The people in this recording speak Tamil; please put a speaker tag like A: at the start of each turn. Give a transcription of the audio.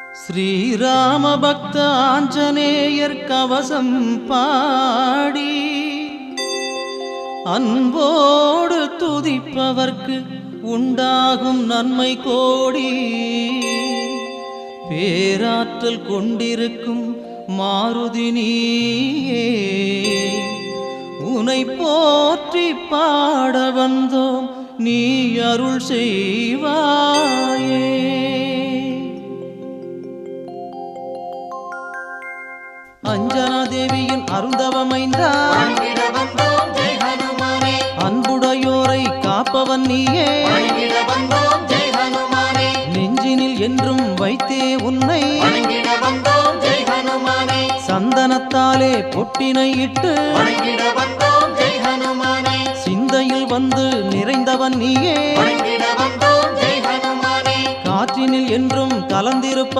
A: ஸ்ரீராம பக்த ஆஞ்சநேயர் கவசம் பாடி அன்போடு துதிப்பவர்க்கு உண்டாகும் நன்மை கோடி. பேராற்றல் கொண்டிருக்கும் மாருதி நீயே, உனை போற்றி பாட வந்தோம், நீ அருள் செய்வாயே. அஞ்சனா தேவியின் அருந்தவமைந்தா, அன்புடையோரை காப்பவன் நீயே, நெஞ்சினில் என்றும் வைத்தே உன்னை, சந்தனத்தாலே பொட்டினை இட்டு சிந்தையில் வந்து நிறைந்தவன் நீயே, காற்றினில் என்றும் கலந்திருப்ப